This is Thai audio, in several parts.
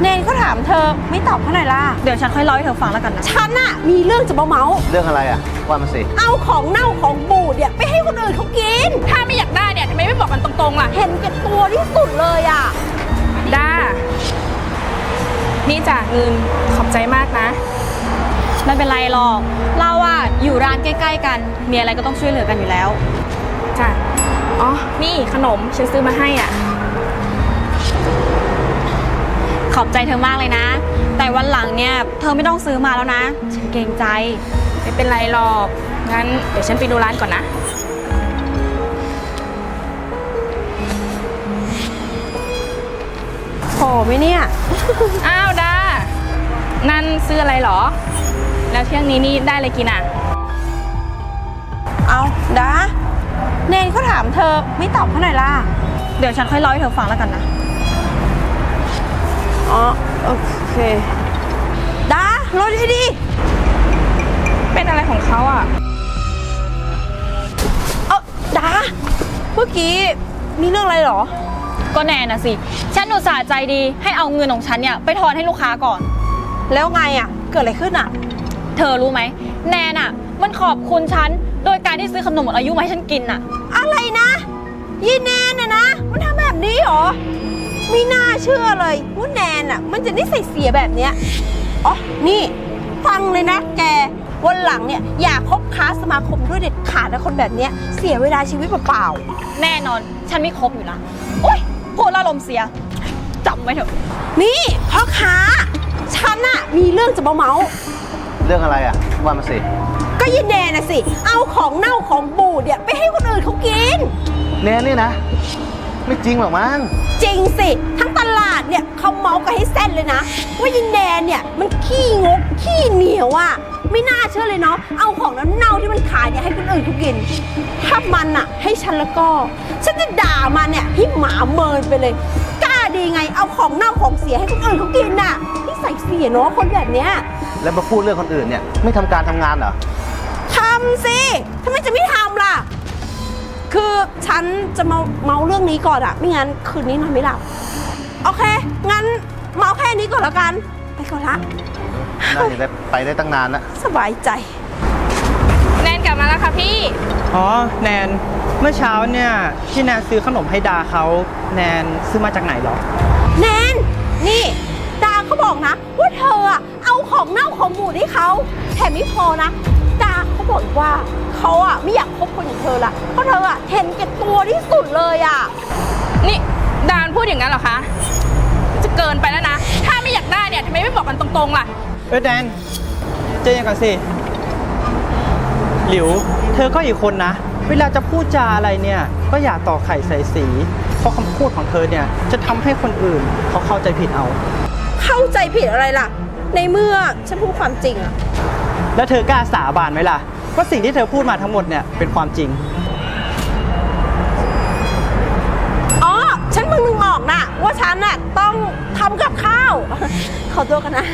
เนนก็ถามเธอไม่ตอบเขาหน่อยล่ะเดี๋ยวฉันค่อยเล่าให้เธอฟังแล้วกันนะฉันน่ะมีเรื่องจะเมาเรื่องอะไรอ่ะว่ามาสิเอาของเน่าของบูดเนี่ยไปให้คนอื่นเขากินถ้าไม่อยากได้เนี่ยทำไมไม่บอกกันตรงๆล่ะเห็นแก่ตัวที่สุดเลยอ่ะด้านี่จ่าเงินขอบใจมากนะไม่เป็นไรหรอกเราอะอยู่ร้านใกล้ๆกันมีอะไรก็ต้องช่วยเหลือกันอยู่แล้วจ้ะอ๋อนี่ขนมฉันซื้อมาให้อ่ะขอบใจเธอมากเลยนะแต่วันหลังเนี่ยเธอไม่ต้องซื้อมาแล้วนะฉันเกรงใจไม่เป็นไรหรอกงั้นเดี๋ยวฉันไปดูร้านก่อนนะพอไหมเนี่ยอ้าวด้านั่นซื้ออะไรหรอแล้วเที่ยงนี้นี่ได้อะไรกินอ่ะเอาดาเนนเขาถามเธอไม่ตอบเขาหน่อยล่ะเดี๋ยวฉันค่อยเล่าให้เธอฟังแล้วกันนะอ๋อโอเคดารถให้ดีเป็นอะไรของเขาอ่ะดาเมื่อกี้มีเรื่องอะไรหรอก็แน่นะสิฉันอุตส่าห์ใจดีให้เอาเงินของฉันเนี่ยไปทอนให้ลูกค้าก่อนแล้วไงอ่ะเกิดอะไรขึ้นอ่ะเธอรู้ไหมแนนอ่ะมันขอบคุณฉันโดยการที่ซื้อขนมหมดอายุมาให้ฉันกินอ่ะอะไรนะยีแนนน่ะนะมันทำแบบนี้หรอไม่น่าเชื่อเลยว่าแนนอ่ะมันจะนิสัยเสียแบบเนี้ยอ๋อนี่ฟังเลยนะแกวันหลังเนี่ยอย่าคบค้าสมาคมด้วยเด็ดขาดนะคนแบบเนี้ยเสียเวลาชีวิตเปล่าแน่นอนฉันไม่คบอยู่นะโอ๊ยพูดแล้วลมเสียจำไว้เถอะนี่พ่อค้าฉันน่ะมีเรื่องจะเมาเรื่องอะไรอ่ะว่ามาสิก็ยีแนนน่ะสิเอาของเน่าของบูดเนี่ยไปให้คนอื่นเขากินแนนนี่นะไม่จริงหรอกมั้งจริงสิทั้งตลาดเนี่ยเขาเมากันให้เส้นเลยนะว่ายีแนนเนี่ยมันขี้งกขี้เหนียวอ่ะไม่น่าเชื่อเลยเนาะเอาของเน่าที่มันขายเนี่ยให้คนอื่นเขากินถ้ามันอ่ะให้ฉันแล้วก็ฉันจะด่ามันเนี่ยให้หมาเมินไปเลยกล้าดีไงเอาของเน่าของเสียให้คนอื่นเขากินน่ะที่ใส่เสียเนาะคนแบบเนี้ยแล้วมาพูดเรื่องคนอื่นเนี่ยไม่ทำการทำงานเหรอทำสิทำไมจะไม่ทำล่ะคือฉันจะเมาเรื่องนี้ก่อนอะไม่งั้นคืนนี้นอนไม่หลับโอเคงั้นเมาแค่นี้ก่อนแล้วกันไปก่อนละน่าจะไปได้ตั้งนานแล้วสบายใจแนนกลับมาแล้วค่ะพี่อ๋อแนนเมื่อเช้าเนี่ยที่แนนซื้อขนมให้ดาเขาแนนซื้อมาจากไหนหรอแนนนี่ดาเขาบอกนะว่าเธออะเอาของเน่าของบูดให้เขาแถมไม่พอนะดาเขาบอกว่าเขาอะไม่อยากคบคนอย่างเธอละเพราะเธออะเห็นแก่ตัวที่สุดเลยอะนี่ดานพูดอย่างนั้นเหรอคะจะเกินไปแล้วนะถ้าไม่อยากได้เนี่ยทำไมไม่บอกกันตรงๆล่ะแนนเจอยังก่อนสิหลิวเธอก็อีกคนนะเวลาจะพูดจาอะไรเนี่ยก็อย่าต่อไข่ใส่สีเพราะคำพูดของเธอเนี่ยจะทำให้คนอื่นเขาเข้าใจผิดเอาเข้าใจผิดอะไรล่ะในเมื่อฉันพูดความจริงอะแล้วเธอกล้าสาบานไหมล่ะว่าสิ่งที่เธอพูดมาทั้งหมดเนี่ยเป็นความจริงอ๋อฉันมึงนึกออกนะว่าฉันน่ะต้องทำกับข้าวขอตัวกันนะ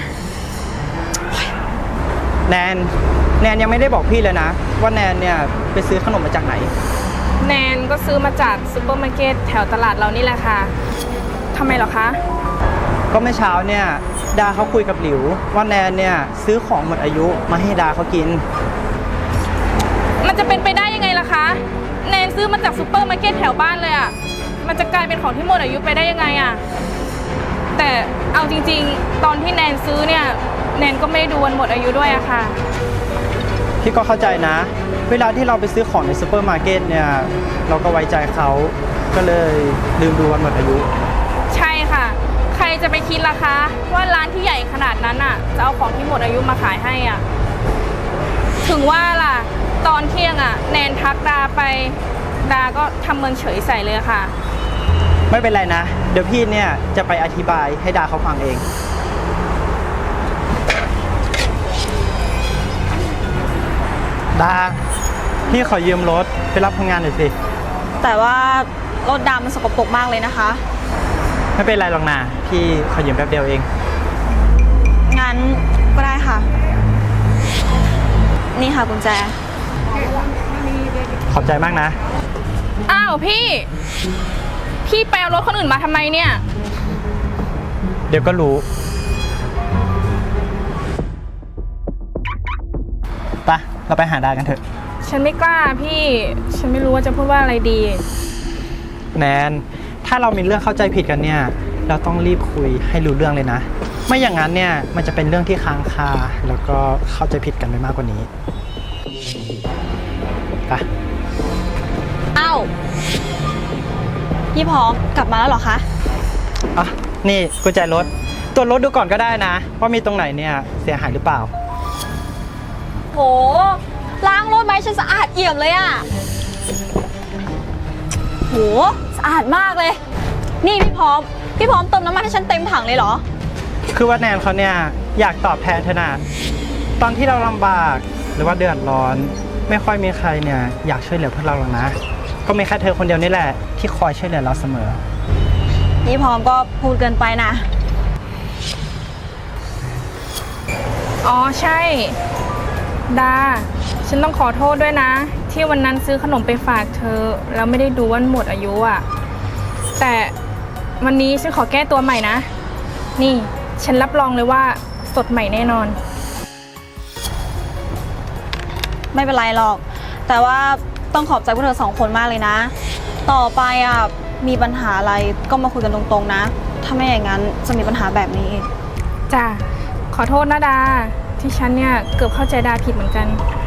แนนยังไม่ได้บอกพี่เลยนะว่าแนนเนี่ยไปซื้อขนมมาจากไหนแนนก็ซื้อมาจากซูเปอร์มาร์เก็ตแถวตลาดเรานี่แหละค่ะทำไมเหรอคะก็เมื่อเช้าเนี่ยดาเขาคุยกับหลิวว่าแนนเนี่ยซื้อของหมดอายุมาให้ดาเขากินมันจะเป็นไปได้ยังไงล่ะคะแนนซื้อมาจากซูเปอร์มาร์เก็ตแถวบ้านเลยอ่ะมันจะกลายเป็นของที่หมดอายุไปได้ยังไงอ่ะแต่เอาจริงๆตอนที่แนนซื้อเนี่ยแนนก็ไม่ได้ดูวันหมดอายุด้วยอะค่ะพี่ก็เข้าใจนะเวลาที่เราไปซื้อของในซูเปอร์มาร์เก็ตเนี่ยเราก็ไว้ใจเขาก็เลยลืมดูวันหมดอายุใช่ค่ะใครจะไปคิดล่ะคะว่าร้านที่ใหญ่ขนาดนั้นอ่ะจะเอาของที่หมดอายุมาขายให้อ่ะถึงว่าล่ะตอนเที่ยงอ่ะแนนทักดาไปดาก็ทำเมินเฉยใส่เลยค่ะไม่เป็นไรนะเดี๋ยวพี่เนี่ยจะไปอธิบายให้ดาเขาฟังเองดาพี่ขอยืมรถไปรับพนักงานหน่อยสิแต่ว่ารถดำมันสกปรกมากเลยนะคะไม่เป็นไรหรอกนะพี่ขอยืมแป๊บเดียวเองงั้นก็ได้ค่ะนี่ค่ะกุญแจขอบใจมากนะอ้าวพี่ไปเอารถคนอื่นมาทำไมเนี่ยเดี๋ยวก็รู้ไปเราไปหาดากันเถอะฉันไม่กล้าพี่ ฉันไม่รู้ว่าจะพูดว่าอะไรดีแนน ถ้าเรามีเรื่องเข้าใจผิดกันเนี่ย เราต้องรีบคุยให้รู้เรื่องเลยนะ ไม่อย่างนั้นเนี่ยมันจะเป็นเรื่องที่ค้างคาแล้วก็เข้าใจผิดกันไปมากกว่านี้ไปเอ้าพี่พร้อมกลับมาแล้วเหรอคะอ่ะนี่กุญแจรถตรวจรถดูก่อนก็ได้นะ ว่ามีตรงไหนเนี่ยเสียหายหรือเปล่าโหล้างรถไหมฉันสะอาดเอี่ยมเลยอะโหสะอาดมากเลย นี่พี่พร้อมเติมน้ำมันให้ฉันเต็มถังเลยเหรอคือว่าแนนเขาเนี่ยอยากตอบแทนเธอนะตอนที่เราลำบากหรือว่าเดือดร้อน ไม่ค่อยมีใครเนี่ยอยากช่วยเหลือพวกเราหรอกนะ ก็มีแค่เธอคนเดียวนี่แหละที่คอยช่วยเหลือเราเสมอพี่พร้อมก็พูดเกินไปนะอ๋อใช่ ดา ฉันต้องขอโทษด้วยนะ ที่วันนั้นซื้อขนมไปฝากเธอ แล้วไม่ได้ดูว่าหมดอายุอ่ะ แต่วันนี้ฉันขอแก้ตัวใหม่นะ นี่ฉันรับรองเลยว่าสดใหม่แน่นอนไม่เป็นไรหรอก แต่ว่าต้องขอบใจพวกเธอสองคนมากเลยนะ ต่อไปอ่ะมีปัญหาอะไรก็มาคุยกันตรงๆนะ ถ้าไม่อย่างนั้นจะมีปัญหาแบบนี้อีกจ้ะ ขอโทษนะดา ที่ฉันเนี่ยเกือบเข้าใจดาผิดเหมือนกัน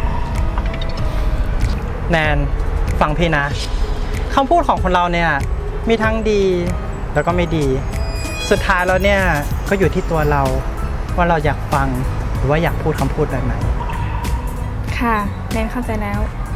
แนนฟังพี่นะคำพูดของคนเราเนี่ยมีทั้งดีแล้วก็ไม่ดี สุดท้ายแล้วเนี่ยก็อยู่ที่ตัวเราว่าเราอยากฟังหรือว่าอยากพูดคำพูดแบบไหนค่ะแนนเข้าใจแล้ว